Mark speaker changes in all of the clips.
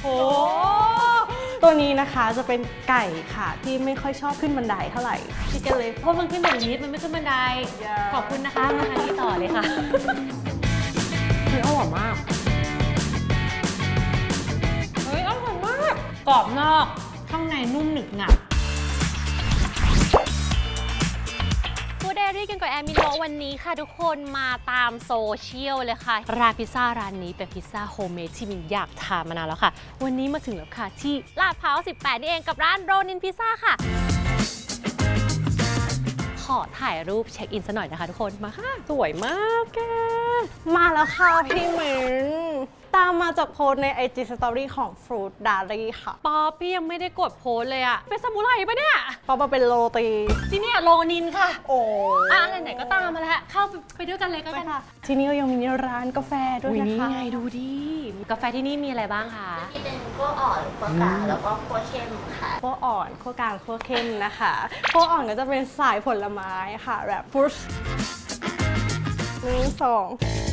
Speaker 1: โอ้ตัวนี้นะคะจะเป็นไก่ค่ะที่ไม่ค่อยชอบขึ้นบันไดเท่าไหร่ชิคเก้นเล็ก
Speaker 2: เพราะมันขึ้นแบบนี้มันไม่ขึ้นบันไดขอบคุณนะคะมาทานที่ต่อเลยค่ะ
Speaker 1: เฮ้ยอร่อยมาก
Speaker 2: เฮ้ยอร่อยมากกรอบนอกข้างในนุ่มหนึบหนับฟู้ดไดอารี่กันกับแอมมิโนวันนี้ค่ะทุกคนมาตามโซเชียลเลยค่ะร้านพิซซ่าร้านนี้เป็นพิซซ่าโฮมเมดที่มินอยากทานมานานแล้วค่ะวันนี้มาถึงแล้วค่ะที่ลาดพร้าว18นี่เองกับร้านโรนินพิซซ่าค่ะขอถ่ายรูปเช็คอินซะหน่อยนะคะทุกคนมาค่ะสวยมากแก
Speaker 1: มาแล้วค่ะพี่เหม็นตามมาจากโพสใน IG Story ของ Fruit Diary ค่ะ
Speaker 2: ป๊อปพี่ยังไม่ได้กดโพสเลยอะเป็นซามูไรปะเนี่ย
Speaker 1: ป๊อปมาเป็นโรตี
Speaker 2: ที่นี่โรนินค่ะ
Speaker 1: โอ้
Speaker 2: ไหนๆก็ตามมาแล้วเข้าไปด้วยกันเลยก็กัน
Speaker 1: ที่นี่ก็ยังมีร้านกาแฟด้วยนะคะ
Speaker 2: นี่ไงดูดิกาแฟที่นี่มีอะไรบ้างคะ
Speaker 3: ที่เป็นคั่วอ่อนคั่วกลางแล้วก็คั่วเข้มค่ะ
Speaker 1: คั่วอ่อนคั่วกลางคั่วเข้มนะคะคั่วอ่อนก็จะเป็นสายผลไม้ค่ะแบบฟรุต1 2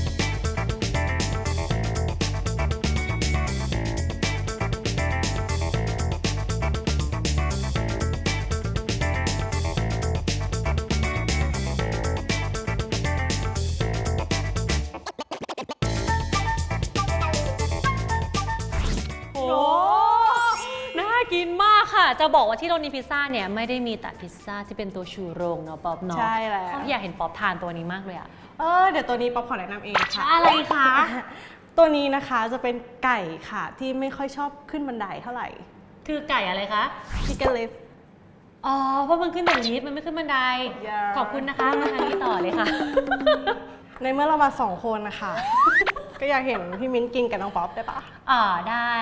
Speaker 2: กินมากค่ะจะบอกว่าที่โรนินพิซซ่าเนี่ยไม่ได้มีแต่พิซซ่าที่เป็นตัวชูโรงเนาะป๊อปเนาะ
Speaker 1: ใช่แล้ว
Speaker 2: อยากเห็นป๊อปทานตัวนี้มากเลยอะ
Speaker 1: เดี๋ยวตัวนี้ป๊อปขอแนะนำเองค่ะ
Speaker 2: อะไรคะ
Speaker 1: ตัวนี้นะคะจะเป็นไก่ค่ะที่ไม่ค่อยชอบขึ้นบันไดเท่าไหร่
Speaker 2: คือไก่อะไรคะ
Speaker 1: ชิคเก้นเล็ก
Speaker 2: เพราะมันขึ้นแบบนี้มันไม่ขึ้นบันไดขอบคุณนะคะมาทานที่ต่อเลยค่ะ
Speaker 1: ในเมื่อเรามา2 คนนะคะก็อยากเห็นพี่มิ้นกินกับน้องป๊อปได้ปะ
Speaker 2: ได้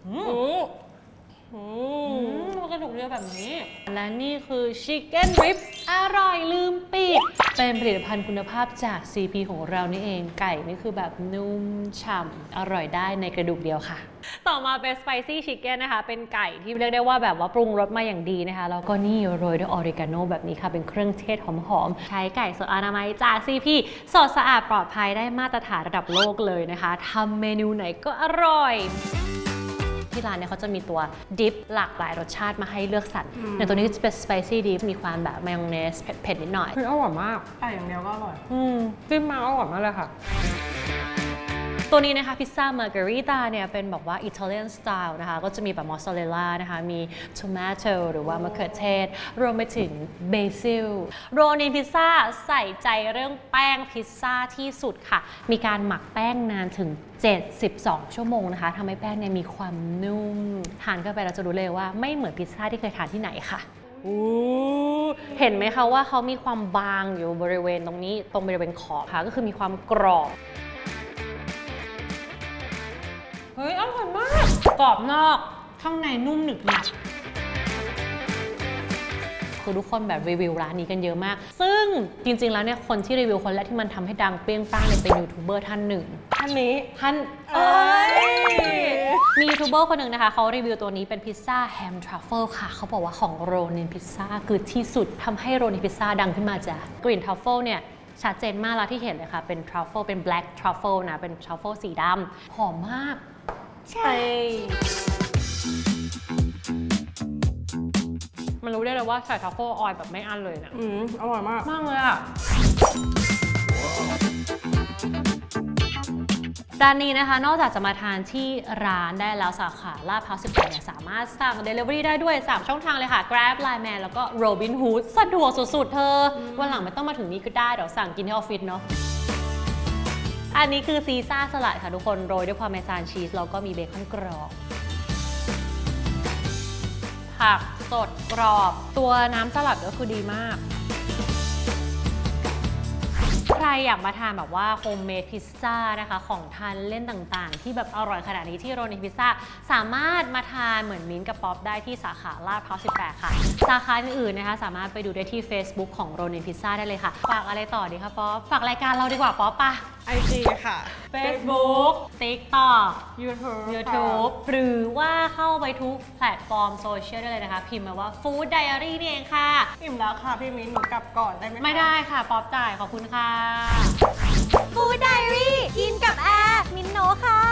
Speaker 2: มันกระดูกเรียวแบบนี้และนี่คือชิคเก้นริบอร่อยลืมปีกเป็นผลิตภัณฑ์คุณภาพจาก CP ของเรานี่เองไก่นี่คือแบบนุ่มฉ่ำอร่อยได้ในกระดูกเดียวค่ะต่อมาเป็นสไปซี่ชิคเก้นนะคะเป็นไก่ที่เรียกได้ว่าแบบว่าปรุงรสมาอย่างดีนะคะแล้วก็นี่โรยด้วยออริกาโนแบบนี้ค่ะเป็นเครื่องเทศหอมๆใช้ไก่สดอนามัยจาก CP สดสะอาดปลอดภัยได้มาตรฐานระดับโลกเลยนะคะทำเมนูไหนก็อร่อยที่ร้านเนี่ยเขาจะมีตัวดิฟหลากหลายรสชาติมาให้เลือกสรรอย่างตัวนี้จะเป็นสไปซี่ดิฟมีความแบบมายองเนสเผ็ดๆนิดหน่อย
Speaker 1: อร่อยมากอย่างเดียวก็อร่อยจิ้มมาอร่อยมากเลยค่ะ
Speaker 2: ตัวนี้นะคะพิซซ่ามาร์การิตาเนี่ยเป็นแบบว่าอิตาเลียนสไตล์นะคะก็จะมีแบบมอสซาเรลล่านะคะมีทอมาโตหรือว่ามะเขือเทศรวมไปถึงเบซิลโรนินพิซซ่าใส่ใจเรื่องแป้งพิซซ่าที่สุดค่ะมีการหมักแป้งนานถึง72 ชั่วโมงนะคะทำให้แป้งเนี่ยมีความนุ่มทานเข้าไปเราจะรู้เลยว่าไม่เหมือนพิซซ่าที่เคยทานที่ไหนค่ะเห็นไหมคะว่าเขามีความบางอยู่บริเวณตรงนี้ตรงบริเวณขอบค่ะก็คือมีความกรอบเฮ้ยอร่อยมากกรอบนอกข้างในนุ่มหนึบหนับคือทุกคนแบบรีวิวร้านนี้กันเยอะมากซึ่งจริงๆแล้วเนี่ยคนที่รีวิวคนแรกที่มันทำให้ดังเปรี้ยงป้างเนี่ยเป็นยูทูบเบอร์ท่านหนึ่ง
Speaker 1: ท่านนี้
Speaker 2: มียูทูบเบอร์คนหนึ่งนะคะเขารีวิวตัวนี้เป็นพิซซ่าแฮมทรัฟเฟิลค่ะเขาบอกว่าของโรนินพิซซ่าคือที่สุดทำให้โรนินพิซซ่าดังขึ้นมาจ้ะกลิ่นทรัฟเฟิลเนี่ยชัดเจนมากแล้วที่เห็นเลยค่ะเป็นทรัฟเฟิลเป็นแบล็กทรัฟเฟิลนะเป็นทรัฟเฟิลสีดำหอมมากใช่มันรู้ได้เลยว่าใส่ทรัฟเฟิลออยล์แบบไม่อั้นเลยนะ
Speaker 1: อร่อยมาก
Speaker 2: มากเลยอ่ะร้านนี้นะคะนอกจากจะมาทานที่ร้านได้แล้วสาขาลาดพร้าว18เนี่ยสามารถสั่ง Delivery ได้ด้วย3ช่องทางเลยค่ะ Grab Line Man แล้วก็ Robinhood สะดวกสุดๆเธอวันหลังไม่ต้องมาถึงนี้ก็ได้เดี๋ยวสั่งกินที่ออฟฟิศเนาะอันนี้คือซีซ่าสลัดค่ะทุกคนโรยด้วยพาร์เมซานชีสแล้วก็มีเบคอนกรอบผักสดกรอบตัวน้ำสลัดก็คือดีมากใครอยากมาทานแบบว่าโฮมเมดพิซซ่านะคะของทานเล่นต่างๆที่แบบอร่อยขนาดนี้ที่โรนินพิซซ่าสามารถมาทานเหมือนมิ้นกับป๊อปได้ที่สาขาลาดพร้าว18ค่ะสาขาอื่นๆนะคะสามารถไปดูได้ที่ Facebook ของโรนินพิซซ่าได้เลยค่ะฝากอะไรต่อดีคะป๊อปฝากรายการเราดีกว่าป๊อปปะ
Speaker 1: IG ค่ะ
Speaker 2: Facebook TikTok YouTube หรือว่าเข้าไปทุกแพลตฟอร์มโซเชียลได้เลยนะคะพิมพ์มาว่า Food Diary นี่เองค่ะ
Speaker 1: อิ่มแล้วค่ะพี่มิ้นหนูกลับก่อนได้ไหม
Speaker 2: ไม่ได้ค่ะป๊อปจ่ายขอบคุณค่ะ
Speaker 3: Food Diary กินกับแอร์มินโนค่ะ